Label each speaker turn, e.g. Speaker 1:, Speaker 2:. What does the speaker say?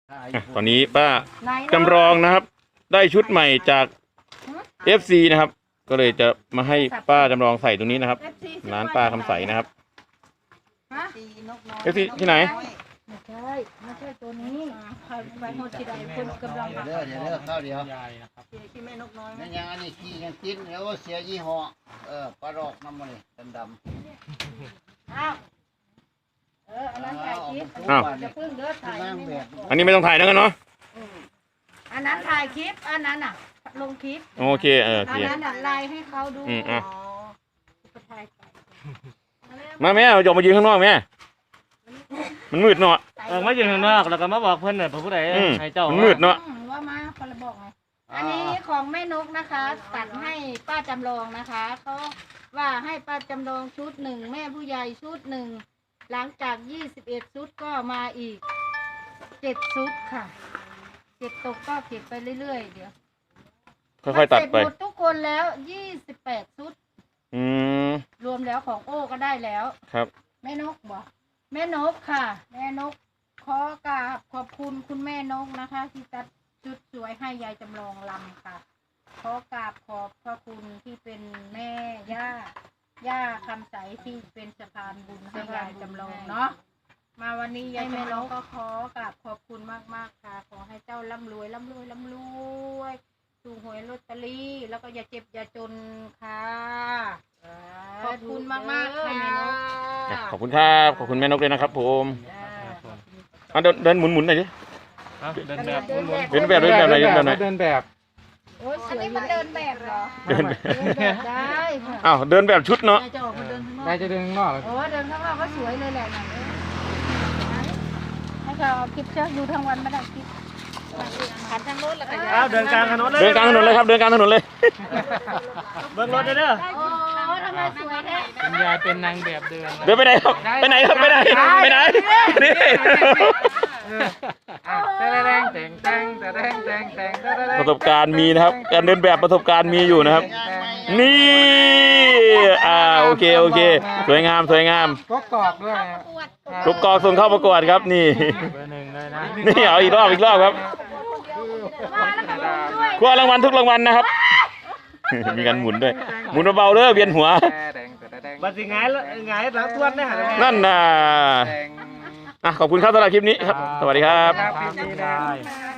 Speaker 1: ตอนนี้ป้าจำลองนะครับ ได้ชุดใหม่จาก FC นะครับ ก็เลยจะมาให้ป้าจำลองใส่ตรงนี้นะครับร้านป้าคำใสนะครับ FC ที่ไหน
Speaker 2: ไม่ใช่ตัวนี้ใครไปโหดที่ใดคนกำลัง
Speaker 3: เดี๋ยวข้าวเดียว
Speaker 2: ที่แม่นกน้อย
Speaker 3: นั่นยังอันนี้ขี้ยังกินแล้วเสียยี่ห้อปลาดอกน้ำมันนี่ดำ
Speaker 2: อ้าวอันนั้นถ่ายคลิป
Speaker 1: อ้าว
Speaker 2: จะพึ่งเด้อถ่าย
Speaker 3: นั่งแบบ
Speaker 1: อันนี้ไม่ต้องถ่ายแล้วกันเนาะ
Speaker 2: อันนั้นถ่ายคลิปอันนั้นอ่ะลงคลิป
Speaker 1: โอเคโอ
Speaker 2: อั
Speaker 1: เคน
Speaker 2: นั้นไลน์ให้เขาดู
Speaker 1: อ่ะ
Speaker 2: ไปถ่ายไป
Speaker 1: มาแม่เอาหยกมายืนข้างนอกแม่มันมืดเนาะ
Speaker 4: มาอยู่ข้างนอกแล้วก็มาบอกเพื่อนน่ะผู้ใด
Speaker 1: อืม
Speaker 4: ให้เจ้า
Speaker 1: มันมืดเนาะ
Speaker 2: ว่ามาคนละบอกไงอันนี้ของแม่นกนะคะ ตัดให้ป้าจำลองนะคะเขาว่าให้ป้าจำลองชุดหนึ่งแม่ผู้ใหญ่ชุดหนึ่งหลังจาก21ชุดก็มาอีก7ชุดค่ะ7ตกก็เก็บไปเรื่อยๆเดี๋ยว
Speaker 1: ค่อยๆตัดไป
Speaker 2: เสร็จหมดทุกคนแล้ว28ชุด
Speaker 1: อืม
Speaker 2: รวมแล้วของโอ้ก็ได้แล้ว
Speaker 1: ครับ
Speaker 2: แม่นกบอกแม่นกค่ะ แม่นกขอกราบขอบคุณคุณแม่นกนะคะ ที่ตัดชุดสวยให้ยายจำลองลำค่ะขอกราบขอบพระคุณที่เป็นแม่ย่าคำใสที่เป็นสะพานบุญให้ยายจำลองเนาะมาวันนี้ยายจำลองก็ขอกราบขอบคุณมากๆค่ะ ขอให้เจ้าร่ำรวยถูกหวยลอตเตอรี่แล้วก็อย่าเจ็บอย่าจนค่ะขอบคุณมากๆค่ะแม่นก
Speaker 1: ขอบคุณครับขอบคุณแม่นกเลยนะครับผมเดินหมุนหน่อยดิ
Speaker 4: เดินแบบ
Speaker 1: เดินแบบไหน
Speaker 4: เดินแบบ
Speaker 2: โอ้ยอันนี้มันเดินแบบเหรอ
Speaker 1: เดิน
Speaker 2: เดินแบบได้ค่ะ
Speaker 1: อ้าวเดินแบบชุดเนาะ
Speaker 2: นายจะออกมาเดินข้างนอก
Speaker 4: นายจะเดินข้างนอก
Speaker 2: โอ้เดินข้างนอกก็สวยเลยแหละนะให้เขาเอาคลิปเชื่ออยู่ทั้งวันไม่ได้คลิปขันทางรถแล้วก็
Speaker 4: อ้าวเดินกลางถนนเลย
Speaker 1: เดินกลางถนนเลยครับเดินกลางถนนเลย
Speaker 4: เบิ้งรถเด้อ
Speaker 2: โอ้ทำไมสวยแท้
Speaker 4: คุณยายเป็นนางแบบเดิน
Speaker 1: เดินไปไหนครับไปไหนครับไปไหนไปไหนนี่ ประสบการณ์มีนะครับการเดินแบบประสบการณ์มีอยู่นะครับ นี่โอเคสวยงาม
Speaker 4: ก็กรอกด้วย
Speaker 1: ทุกกองส่งเข้าประกวดครับนี่
Speaker 4: เบอร์หนึ่งเลยนะ
Speaker 1: นี่เอาอีกรอบครับคว้ารางวัลทุกรางวัลนะครับ มีการหมุนด้วยหมุนเบาๆเด้อเวียนหัว
Speaker 4: บัดสิไงหลังทวนได้หา
Speaker 1: นั่นน่ะขอบคุณครับสำหรับคลิปนี้ครับ สวัสดีครับ
Speaker 4: ครับ